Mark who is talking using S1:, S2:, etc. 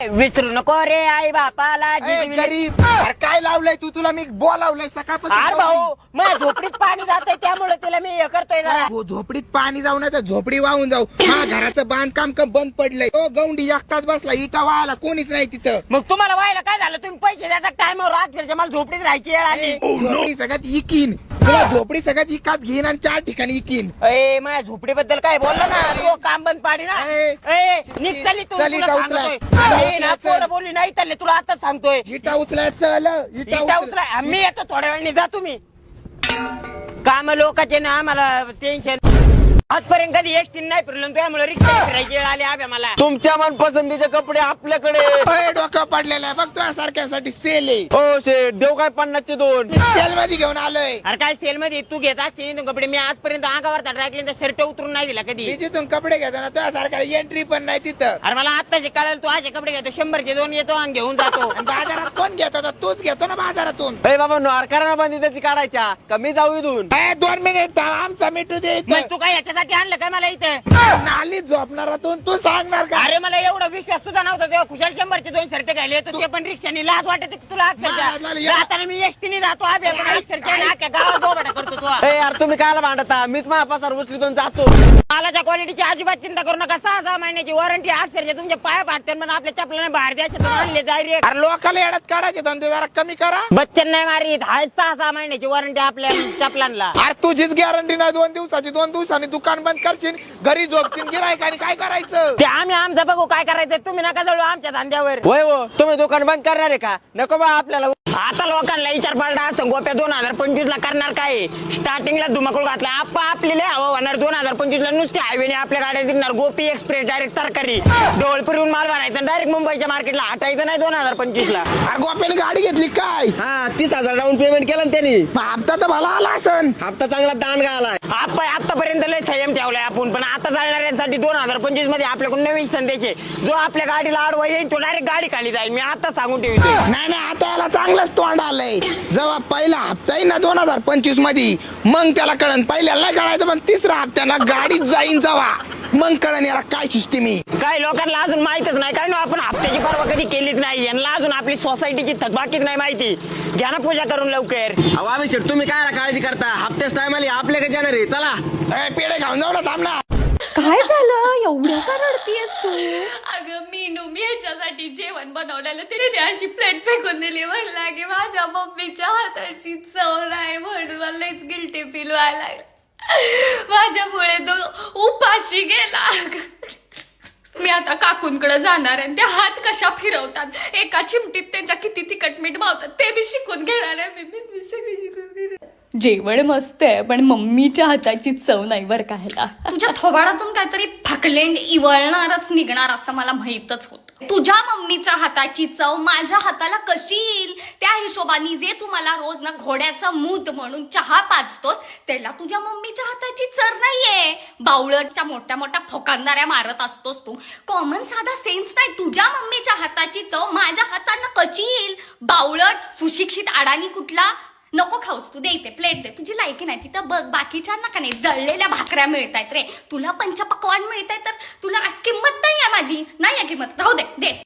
S1: विसरू नको रे आई बापाला.
S2: गरीब काय लावलंय तू? तुला मी बोलावलंय सकाळपासून.
S1: अरे भाऊ माझ्या झोपडीत पाणी जातंय त्यामुळे तिला मी हे करतोय जरा.
S2: झोपडीत पाणी जाऊ ना तर झोपडी वाहून जाऊ. हा घराचं बांधकाम बंद पडलंय. तो गौंडी एकटाच बसला, इटा व्हायला कोणीच नाही तिथं.
S1: मग तुम्हाला व्हायला काय झालं? तुम्ही पैसे द्याचा टायमावर अक्षरशः मला झोपडीत राहायची वेळ आली.
S2: झोपडी सगळ्यात इकीन तुला, झोपडी सगळ्यात इकात घेईन आणि 4 ठिकाणी इकीन.
S1: ए माझ्या झोपडीबद्दल काय बोलला ना तो काम बंद पाडी ना. निघताली तू बोलली नाही तर तुला आताच सांगतोय.
S2: इटा उचलाय चल.
S1: इटा उचलाय मी येतो थोड्या वेळाने. जा तुम्ही. काम लोकांचे ना आम्हाला टेन्शन. आजपर्यंत कधी एसटी नाही फिरलो त्यामुळे रिक्षा फिरायची वेळ आली आम्ही मला.
S3: तुमच्या मनपसंतीचे कपडे आपल्याकडे.
S2: डोकं पडलेलं आहे बघ तुझ्या सारख्यासाठी सेल आहे.
S3: हो शेठ देऊ काय 50चे 2
S2: सेल मध्ये घेऊन आलोय.
S1: अरे काय सेल मध्ये तू घेत असते कपडे. मी आजपर्यंत अंगावरचा ड्रायक्लीनचा शर्ट उतरून नाही दिला कधी.
S2: मी जिथून कपडे घेतो ना तुझ्या सारख्या एंट्री पण नाही तिथं.
S1: अरे मला आत्ताचे कळाल तू असे कपडे घेतो 100चे 2 येतो आणि घेऊन जातो.
S2: आणि बाजारात कोण घेतो तर तूच घेतो ना बाजारातून.
S3: बाबा नारकारांना बंदी त्याची काढायच्या कमी जाऊ इथून.
S2: 2 मिनिट आमचा मिठू दे.
S1: मग तू काय याच्यासाठी आणलं काय मला इथे?
S2: नाली झोपणारातून तू सांगणार का?
S1: अरे मला एवढा विश्वास सुद्धा नव्हता तेव्हा खुशाल 100चे 2 शर्ट घ्यायले तर ते पण रिक्षाने. लाज वाटते तुला अक्षरशः. जाताना मी एसटीने जातो आम्ही अक्षरशः गावात बोबाटा करतो तू.
S3: यार तुम्ही कायला भांडता? मीच माझा पसार उचलीतून जातो.
S1: मालाच्या क्वालिटीची अजिबात चिंता करू नका. 6 महिन्याची वॉरंटी अक्षरशः तुमच्या पाया पाडते पण आपल्या चपलाने बाहेर द्यायचे आणले डायरेक्ट.
S2: अरे लोकांना येड्यात काढायचे धंदे जरा कमी करा.
S1: बच्चन नाही मारीत. हाय 6 महिन्याची वॉरंटी आपल्या चपलांना.
S2: अरे तुझीच गॅरंटी नाही 2 दिवसाची. 2 दिवसांनी दुकान बंद करशील, घरी झोपशील, गिरायकाने काय करायचं?
S1: ते आम्ही आमचं बघू काय करायचं. तुम्ही नका जळू आमच्या धंद्यावर.
S3: होय हो तुम्ही दुकान बंद करणार आहे का? नको बा आपल्याला.
S1: आता लोकांना विचार पालटा असं गोप्या 2025 ला करणार काय? स्टार्टिंगला धुमाकूळ घातला. आपली लय हवा होणार 2025 ला. नुसते हायवेने आपल्या गाड्या दिसणार. गोपी एक्सप्रेस डायरेक्ट तरकारी डोळपुरीहून माल भरायचा डायरेक्ट मुंबईच्या मार्केटला हटायचं नाही 2025 ला.
S2: अरे गोप्याने गाडी घेतली काय?
S3: हा 30,000 डाऊन पेमेंट केलं ना त्यांनी.
S2: हप्ता तर भला आला असन.
S3: हप्ता चांगला दांडगा आलाय.
S1: आपण आतापर्यंत लय संयम ठेवलाय आपण. पण आता चालणाऱ्यांसाठी 2025 मध्ये आपल्याकडून नवीन संदेश आहे. जो आपल्या गाडीला आडवा येईल तो डायरेक्ट गाडी खाली जाईल. मी आता सांगून ठेवतोय.
S2: नाही आता याला चांगलंच तोंड आलंय. जेव्हा पहिला हप्ता येईल ना 2025 मध्ये मग त्याला कळन. पहिल्याला नाही कळायचं पण 3ऱ्या हप्त्याला गाडीच जाईन जेव्हा मग कळन याला काय सिस्टीम आहे.
S1: काय लोकांना अजून माहितच नाही. काय ना आपण हप्त्याची पर्वा कधी केलीच नाही. यांना अजून आपली सोसायटीची थकबाकीच नाही माहिती. घ्या ना पूजा करून लवकर.
S3: अहो आम्ही शेठ तुम्ही काय काळजी करता? हप्त्याच टायमाला आपल्याकडे जाणार आहे. चला
S2: पेढे खाऊन जाऊ ना. थांब ना.
S4: काय झालं? एवढं का रडतीयस तू?
S5: अगं मी ह्याच्यासाठी जेवण बनवलेलं तिने ती अशी प्लेट फेकून दिली. म्हणला की माझ्या मम्मीच्या हाताशी चव नाही म्हणून मला लईच गिल्टी फील व्हायला लागलं. माझ्यामुळे तो उपाशी गेला. मी आता काकूंकडे जाणार आहे. त्या हात कशा फिरवतात, एका चिमटीत त्यांच्या किती तिखट मीठ मावतात ते मी शिकून घेणार आहे. मी सगळं शिकून घेणार. जेवण मस्त आहे पण मम्मीच्या हाताची चव नाही बरं का. ह्याला तुझ्या थोबाडातून काहीतरी फकलेंड इवळणारच निघणार असं मला माहीतच होतं. तुझ्या मम्मीच्या हाताची चव माझ्या हाताला कशी येईल? त्या हिशोबाने जे तू मला रोज ना घोड्याचं मूत म्हणून चहा पाजतोस त्याला तुझ्या मम्मीच्या हाताची चर नाहीये. बावळटच्या मोठ्या मोठ्या फोकांदाऱ्या मारत असतोस तू. कॉमन साधा सेन्स नाही. तुझ्या मम्मीच्या हाताची चव माझ्या हातांना कशी येईल? बावळट सुशिक्षित अडाणी कुठला. नको खाऊस तू. दे इथे प्लेट दे. तुझी लायकी नाही तिथं बघ. बाकीच्या नका नाही. जळलेल्या भाकऱ्या मिळत आहेत रे. तुला पंचपक्वान्न मिळत आहे तर तुला आज किंमत नाही आहे माझी. नाही आहे किंमत. राहू दे.